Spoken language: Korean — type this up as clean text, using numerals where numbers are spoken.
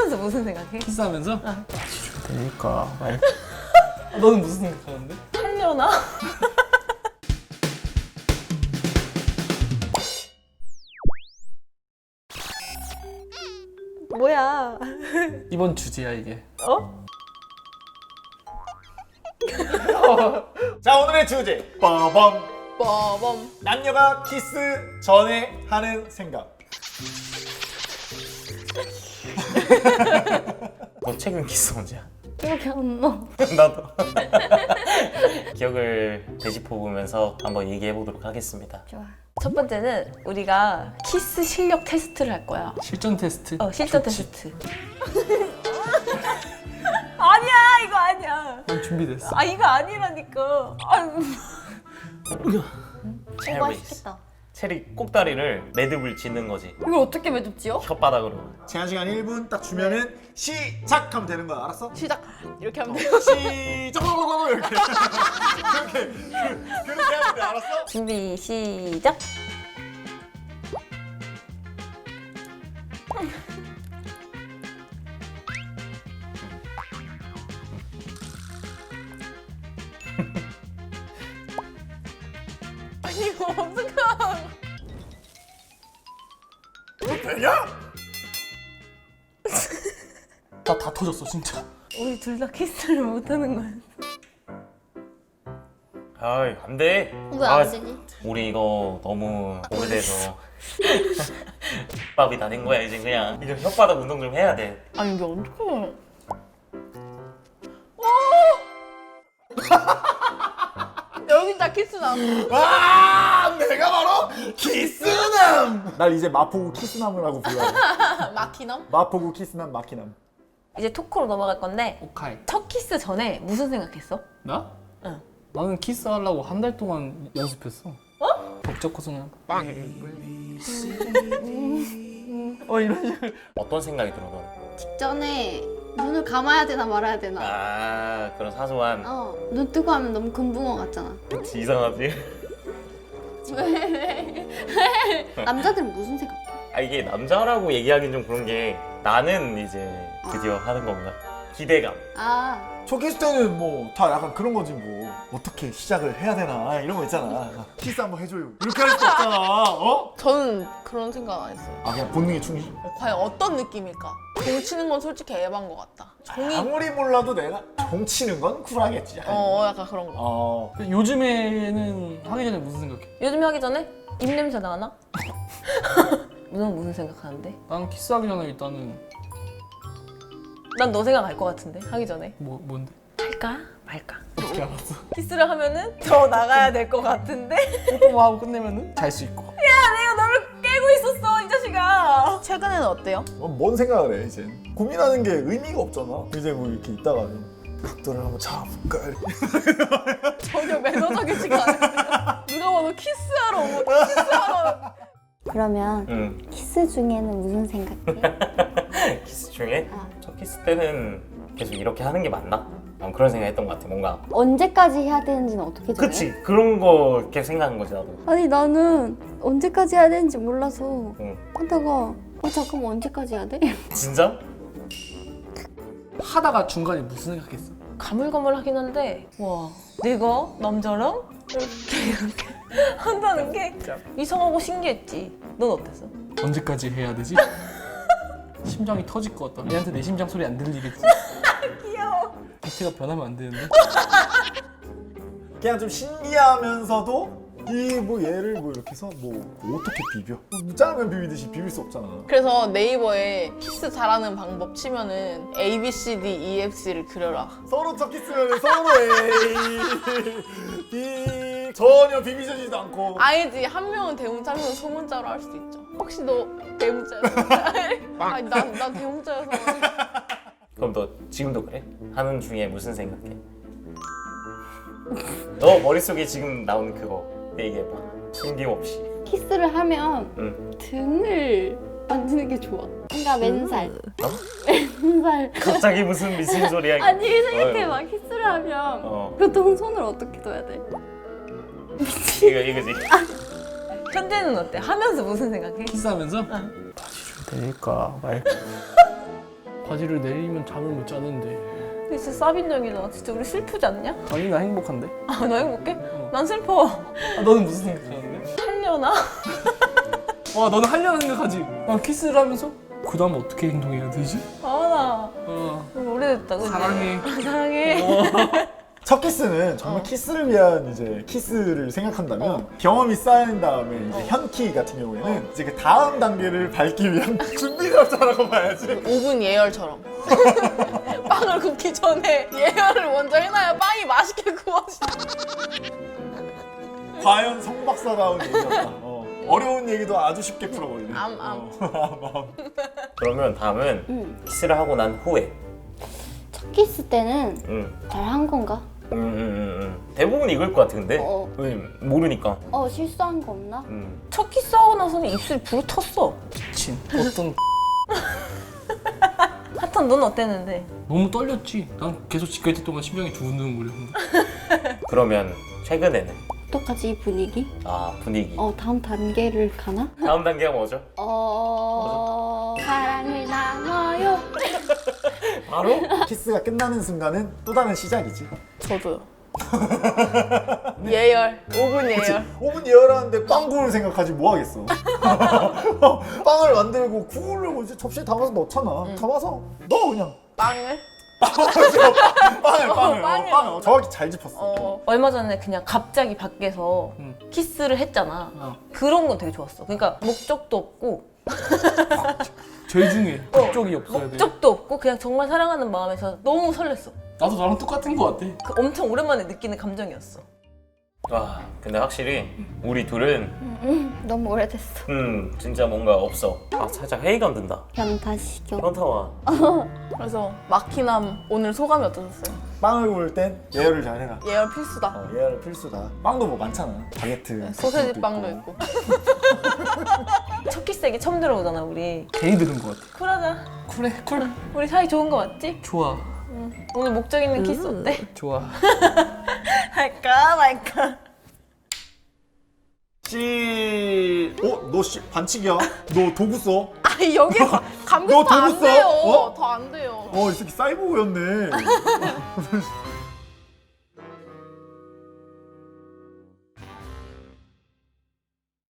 하면서 무슨 생각해? 키스하면서? 어. 되니까 말. 너는 무슨 생각하는데? 하려나? 뭐야? 이번 주제야 이게. 어? 자, 오늘의 주제 빠밤. 빠밤. 남녀가 키스 전에 하는 생각. 너 최근 키스 언제야? 기억이 안 나. 나도. 기억을 되짚어 보면서 한번 얘기해 보도록 하겠습니다. 좋아. 첫 번째는 우리가 키스 실력 테스트를 할 거야. 실전 테스트? 실전 좋지. 테스트. 아니야, 이거 아니야. 난 준비됐어. 이거 아니라니까. 체리. 맛있겠다. 체리 꼭다리를 매듭을 짓는 거지. 이걸 어떻게 매듭지요? 혓바닥으로. 제한 시간 1분 딱 주면은 시작하면 되는 거야. 알았어? 시작. 이렇게 하면 돼. 시작. 이렇게. 그렇게 하면 돼. 알았어? 준비 시작. 아니 이거 어떡하? 되냐? 다 터졌어 진짜. 우리 둘 다 키스를 못하는 거야. 아이 안 돼. 왜 안 되지? 우리 이거 너무 오래돼서 밥이 다 된 거야 이제 그냥. 이거 혓바닥 운동 좀 해야 돼. 아니 이게 어떡해? 여기 다 키스나. 아, 내가 바로 키스남. 날 이제 마포구 키스남이라고 불러요. 마키남? 마포구 키스남 마키남. 이제 토크로 넘어갈 건데 오카이. 첫 키스 전에 무슨 생각했어? 나? 응. 나는 키스하려고 한 달 동안 연습했어. 어? 벅적고서 그냥 빵. 이런 식으로. 어떤 생각이 들어 너는? 직전에 눈을 감아야 되나 말아야 되나. 아 그런 사소한. 눈 뜨고 하면 너무 금붕어 같잖아. 그치, 이상하지? 남자들은 무슨 생각해? 아 이게 남자라고 얘기하긴 좀 그런 게 나는 이제 드디어 하는 건가? 기대감. 첫 키스 때는 뭐 다 약간 그런 거지 뭐. 어떻게 시작을 해야 되나 이런 거 있잖아. 키스 한번 해줘요. 이렇게 할 수 없잖아. 어? 저는 그런 생각 안 했어요. 아, 그냥 본능의 충실. 과연 어떤 느낌일까? 공 치는 건 솔직히 에반 것 같다. 종이 아무리 몰라도 내가 종 치는 건 쿨하겠지. 약간. 약간 그런 거. 요즘에는 하기 전에 무슨 생각해? 요즘 하기 전에 입냄새 나나? 넌 무슨 생각하는데? 난 키스하기 전에 일단은 난 너 생각 알 것 같은데 하기 전에 뭔데? 할까 말까? 어떻게 알았어? 키스를 하면은 더 나가야 될 것 같은데? 뽀뽀 하고 끝내면은 잘 수 있고. 내가 너를 깨고 있었어 이 자식아. 최근에는 어때요? 뭔 생각을 해 이제. 고민하는 게 의미가 없잖아. 이제 뭐 이렇게 있다가 각도를 한번 잡아볼까. 전혀 매너적이지가 않은데 누가 봐도 키스하러 온 거 키스하러. 그러면 응. 키스 중에는 무슨 생각해? 키스 중에 첫 키스 때는 계속 이렇게 하는 게 맞나? 그런 생각했던 것 같아. 뭔가. 언제까지 해야 되는지는 어떻게 정해? 그치, 그런 거 계속 생각한 거지 나도. 아니 나는 언제까지 해야 되는지 몰라서 응. 하다가 잠깐만 언제까지 해야 돼? 진짜? 하다가 중간에 무슨 생각했어? 가물가물하긴 한데 와 내가 남자랑 이렇게 한다는 게 이상하고 신기했지. 넌 어땠어? 언제까지 해야 되지? 심장이 터질 것 같다. 얘한테 내 심장 소리 안 들리겠지? 귀여워. 비트가 변하면 안 되는데? 그냥 좀 신기하면서도 이 뭐 얘를 뭐 이렇게 해서 뭐 어떻게 비벼? 뭐 짜장면 비비듯이 비빌 수 없잖아. 그래서 네이버에 키스 잘하는 방법 치면은 A, B, C, D, E, F, C를 그려라. 서로 첫 키스면 서로 A, B 전혀 비비지도 않고. 아니지, 한 명은 대문자, 한 명은 소문자로 할 수도 있죠. 혹시 너 대문자였어? 아니 난 대문자여서. 그럼 너 지금도 그래? 하는 중에 무슨 생각해? 너 머릿속에 지금 나오는 그거 얘기해봐. 숨김없이. 키스를 하면 응. 등을 만지는 게 좋아. 뭔가 맨살. 어? 맨살. 갑자기 무슨 미친 소리야? 아니 생각해봐. 키스를 하면 보통 손을 어떻게 둬야 돼? 이거지. 현재는 어때? 하면서 무슨 생각해? 키스하면서? 응. 되니까 말. 바지를 내리면 잠을 못 자는데. 근데 진짜 싸빈정이잖아. 진짜 우리 슬프지 않냐? 아니 나 행복한데? 아, 너 행복해? 난 슬퍼. 아, 너는 무슨 생각하는데? 하려나? 와 너는 하려는 생각하지? 난 키스를 하면서 그 다음 어떻게 행동해야 되지? 나 너무 오래됐다. 그지? 사랑해. 사랑해. 첫 키스는 정말 키스를 위한 이제 키스를 생각한다면 경험이 쌓인 다음에 이제 현키 같은 경우에는 이제 그 다음 단계를 밟기 위한 준비 절차라고 봐야지. 5분 예열처럼. 빵을 굽기 전에 예열을 먼저 해놔야 빵이 맛있게 구워지. 과연 성박사다운 얘기였다. 어려운 얘기도 아주 쉽게 풀어버리네. 암. 그러면 다음은 키스를 하고 난 후에. 첫 키스 때는 응. 잘 한 건가? 대부분 이걸 것 같은데. 어. 왜 모르니까. 실수한 거 없나? 첫 키스하고 나서는 입술이 부르텄어. 미친. 어떤 하탄 넌 어땠는데? 너무 떨렸지. 난 계속 지켜있을 동안 심장이 두근두근거렸는데. 그러면 최근에는 어떡하지 이 분위기? 분위기. 다음 단계를 가나? 다음 단계가 뭐죠? 사랑을 나눠요. 바로? 키스가 끝나는 순간은 또 다른 시작이지. 저도요. 예열. 5분 예열. 5분 예열하는데 빵 구울 생각하지 뭐 하겠어. 빵을 만들고 구우려고 이제 접시에 담아서 넣잖아. 담아서 넣어 그냥. 빵을? 빵을 정확히 잘 짚었어. 얼마 전에 그냥 갑자기 밖에서 키스를 했잖아. 그런 건 되게 좋았어. 그러니까 목적도 없고 제일 중요해. 목적이 없어야 돼. 목적도 없고 그냥 정말 사랑하는 마음에서 너무 설렜어. 나도 나랑 똑같은 거 같아. 그 엄청 오랜만에 느끼는 감정이었어. 와, 근데 확실히 우리 둘은 너무 오래됐어. 진짜 뭔가 없어. 살짝 회의감 든다. 변타시켜. 현타와. 그래서 마키남 오늘 소감이 어떠셨어요? 빵을 구울 땐 예열을 잘 해라. 예열 필수다. 예열 필수다. 빵도 뭐 많잖아. 바게트. 소세지 빵도 있고. 첫 키스 얘기 처음 들어보잖아 우리. 괜히 들은 거 같아. 쿨하자. 쿨해 쿨. 우리 사이 좋은 거 맞지? 좋아. 오늘 목적 있는 키스 어때? 좋아. 할까 말까? 너 반칙이야. 너 도구 써. 아니 여기 너 감겼다 안 도구 써? 돼요. 어? 더 안 돼요. 이 새끼 사이보그였네.